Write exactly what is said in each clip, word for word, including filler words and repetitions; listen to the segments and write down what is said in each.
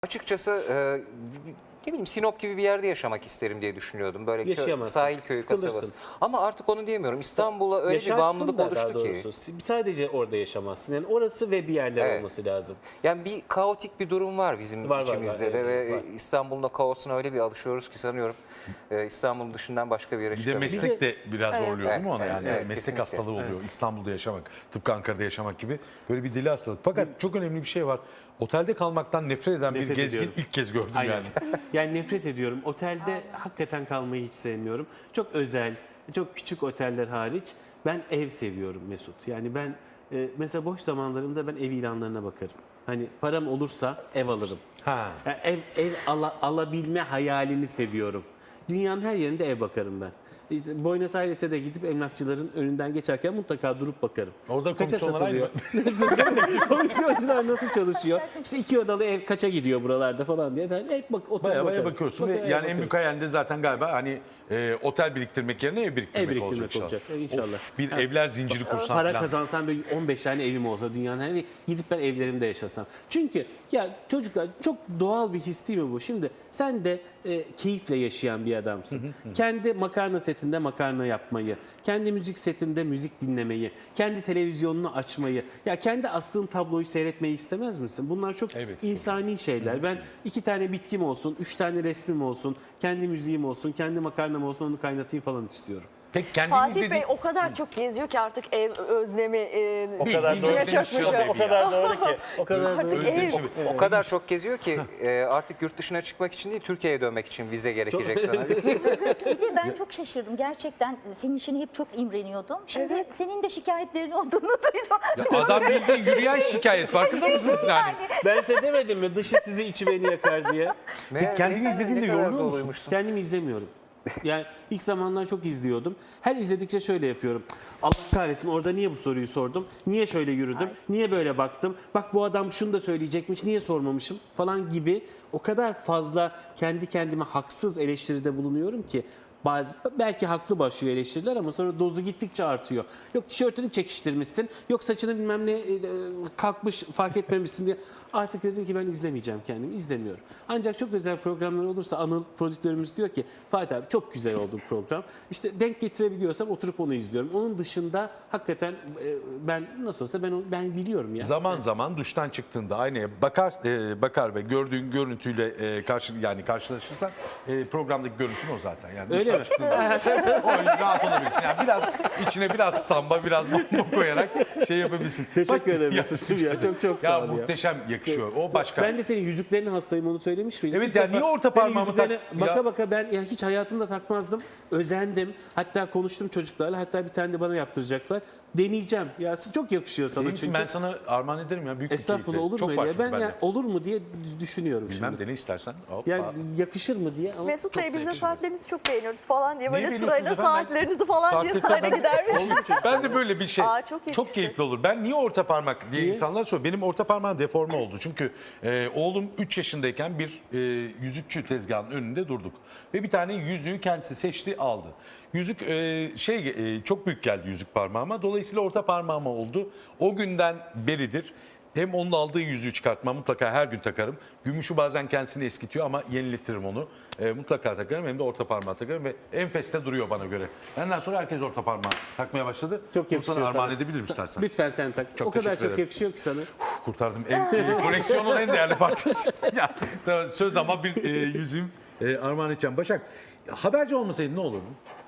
Açıkçası e, ne bileyim Sinop gibi bir yerde yaşamak isterim diye düşünüyordum. Böyle kö sahil köyü sıkılırsın. kasabası. Ama artık onu diyemiyorum. İstanbul'a öyle bir bağımlılık da oluştu daha ki. doğrusu. Sadece orada yaşamazsın. Yani orası ve bir yerler Evet. olması lazım. Yani bir kaotik bir durum var bizim Var, var, içimizde var, de evet, ve var. İstanbul'un o kaosuna öyle bir alışıyoruz ki sanıyorum e, İstanbul dışından başka bir yere Bir de çıkamıyoruz. meslek de biraz Evet. zorluyor değil mi ona? Evet, Yani evet, meslek kesinlikle. hastalığı oluyor. İstanbul'da yaşamak, tıpkı Ankara'da yaşamak gibi böyle bir deli hastalık. Fakat çok önemli bir şey var. Otelde kalmaktan nefret eden Nefret bir gezgin ediyorum. ilk kez gördüm Aynen. yani. Yani nefret ediyorum. Otelde hakikaten kalmayı hiç sevmiyorum. Çok özel, çok küçük oteller hariç ben ev seviyorum Mesut. Yani ben e, mesela boş zamanlarımda ben ev ilanlarına bakarım. Hani param olursa ev alırım. Ha. Yani ev ev ala- alabilme hayalini seviyorum. Dünyanın her yerinde ev bakarım ben. İşte Buenos Aires'e de gidip emlakçıların önünden geçerken mutlaka durup bakarım. Orada Kaça komisyonlar aynı satılıyor? Komisyoncular nasıl çalışıyor? İşte iki odalı ev kaça gidiyor buralarda falan diye ben hep bak otel Baya baya bakarım. bakıyorsun ve Bak- yani en bakarım. büyük hayalinde zaten galiba hani e, otel biriktirmek yerine ev biriktirmek, Ev biriktirmek olacak, olacak, inşallah. inşallah. Of, bir Ha. evler zinciri kursan Para falan. kazansam böyle on beş tane evim olsa dünyanın hani gidip ben evlerimde yaşasam. Çünkü ya çocuklar çok doğal bir his değil mi bu? Şimdi sen de e, keyifle yaşayan bir adamsın. Kendi makarna setinde makarna yapmayı, kendi müzik setinde müzik dinlemeyi, kendi televizyonunu açmayı, ya kendi astığın tabloyu seyretmeyi istemez misin? Bunlar çok Evet. insani şeyler. Ben iki tane bitkim olsun, üç tane resmim olsun, kendi müziğim olsun, kendi makarnam olsun onu kaynatayım falan istiyorum. Peki kendini Fatih izlediğin... Bey o kadar çok geziyor ki artık ev özlemi e, O kadar üstüne doğru çökmüş. demiş ya. O kadar doğru ki. O kadar Artık doğru. ev. O kadar çok geziyor ki e, artık yurt dışına çıkmak için değil Türkiye'ye dönmek için vize gerekecek sana. Bir de ben çok şaşırdım. Gerçekten senin işini hep çok imreniyordum. Şimdi Evet. senin de şikayetlerin olduğunu duydum. Ya adam bildiğin yürüyen şikayet. Farkında mısınız yani? Ben size demedim mi dışı sizi içi beni yakar diye. Meğer kendini ne- izlediğinde ne kadar yoruluyor musun? doluymuşsun. Kendimi izlemiyorum. Yani ilk zamanlar çok izliyordum. Her izledikçe şöyle yapıyorum. Allah kahretsin orada niye bu soruyu sordum? Niye şöyle yürüdüm? Niye böyle baktım? Bak bu adam şunu da söyleyecekmiş. Niye sormamışım? Falan gibi o kadar fazla kendi kendime haksız eleştiride bulunuyorum ki bazı belki haklı başlıyor eleştiriler ama sonra dozu gittikçe artıyor. Yok tişörtünü çekiştirmişsin. Yok saçını bilmem ne e, kalkmış fark etmemişsin diye. Artık dedim ki ben izlemeyeceğim kendimi. İzlemiyorum. Ancak çok özel programlar olursa Anıl prodüktörümüz diyor ki Fatih abi çok güzel oldu bu program. İşte denk getirebiliyorsam oturup onu izliyorum. Onun dışında hakikaten e, ben nasıl olsa ben onu- ben biliyorum ya. Zaman zaman duştan çıktığında aynaya bakar e, bakar ve gördüğün görüntüyle e, karşı yani karşılaşırsan e, programdaki görüntün o zaten. Yani Öyle duştan mi? çıktığında o yüzden rahat olabilirsin. Yani biraz içine biraz samba, biraz mambo koyarak şey yapabilirsin. Teşekkür Bak- ederim Mesut'cum ya. Çok çok Ya sağ ol ya. muhteşem yakışıyor. O başka. Ben de senin yüzüklerine hastayım onu söylemiş miydim? Evet İlk ya, defa niye orta senin parmağımı yüzüklerine tak- Baka Ya- baka ben yani hiç hayatımda takmazdım. Özendim. Hatta konuştum çocuklarla. Hatta bir tane de bana yaptıracaklar. Deneyeceğim. Ya siz çok yakışıyor sana Değil misin? çünkü. Ben sana armağan ederim ya. Büyük bir Estağfurullah keyifle. olur Çok mu var öyle ya? çünkü Ben bende. yani olur mu diye düşünüyorum Bilmem şimdi. dene istersen. Hoppa. Yani yakışır mı diye ama Mesut Bey biz de beğeniyorum. saatlerinizi çok beğeniyoruz falan diye böyle Neyi sırayla beğeniyorsunuz efendim? saatlerinizi falan diye Saatlikten sırayla ben- gidermiş. Ben de böyle bir şey. Aa, çok yakıştı. keyifli olur. Ben niye orta parmak diye Niye? insanlar soruyor. Benim orta parmağım deforme oldu. Çünkü e, oğlum üç yaşındayken bir e, yüzükçü tezgahının önünde durduk. Ve bir tane yüzüğü kendisi seçti, aldı. Yüzük e, şey e, çok büyük geldi yüzük parmağıma. Dolayısıyla orta parmağıma oldu. O günden beridir hem onun aldığı yüzüğü çıkartmam, mutlaka her gün takarım. Gümüşü bazen kendisini eskitiyor ama yeniletirim onu. E, mutlaka takarım, hem de orta parmağı takarım ve enfeste duruyor bana göre. Benden sonra herkes orta parmağı takmaya başladı. çok Bunu yakışıyor sana armağan sana. edebilirim Sa- istersen. Lütfen sen tak. Çok o kadar teşekkür çok ederim. yakışıyor ki sana. Kurtardım. Ev, e, koleksiyonun en değerli parçası. Ya, tamam, söz ama bir e, yüzüğüm e, armağan edeceğim. Başak, haberci olmasaydın ne olurdu?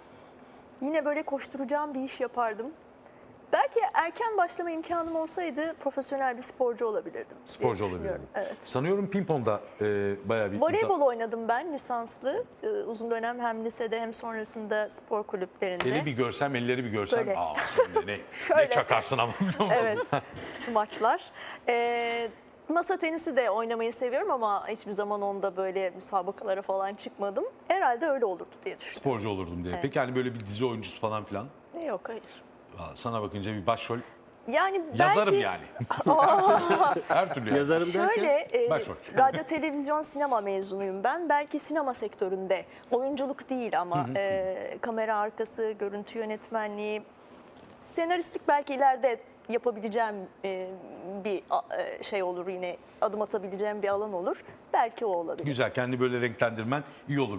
Yine böyle koşturacağım bir iş yapardım. Belki erken başlama imkanım olsaydı profesyonel bir sporcu olabilirdim diye Sporcu düşünüyorum. olabilirdin. Evet. Sanıyorum ping-pong'da e, bayağı bir... Voleybol oynadım ben lisanslı. Ee, uzun dönem hem lisede hem sonrasında spor kulüplerinde. Eli bir görsem, elleri bir görsem, Böyle. aa sen de ne, Şöyle. ne çakarsın ama biliyor musun? Evet, smaçlar. Ee, masa tenisi de oynamayı seviyorum ama hiçbir zaman onda böyle müsabakalara falan çıkmadım. Herhalde öyle olurdu diye düşünüyorum. Sporcu olurdum diye. Peki hani böyle bir dizi oyuncusu falan filan? Yok hayır. Aa, sana bakınca bir başrol Yani belki... yazarım yani. Her türlü yani. Yazarım derken Şöyle, e, Başrol. radyo, televizyon, sinema mezunuyum ben. Belki sinema sektöründe, oyunculuk değil ama e, kamera arkası, görüntü yönetmenliği, senaristlik belki ileride yapabileceğim e, bir a- e, şey olur, yine adım atabileceğim bir alan olur. Belki o olabilir. Güzel, kendi böyle renklendirmen iyi olur.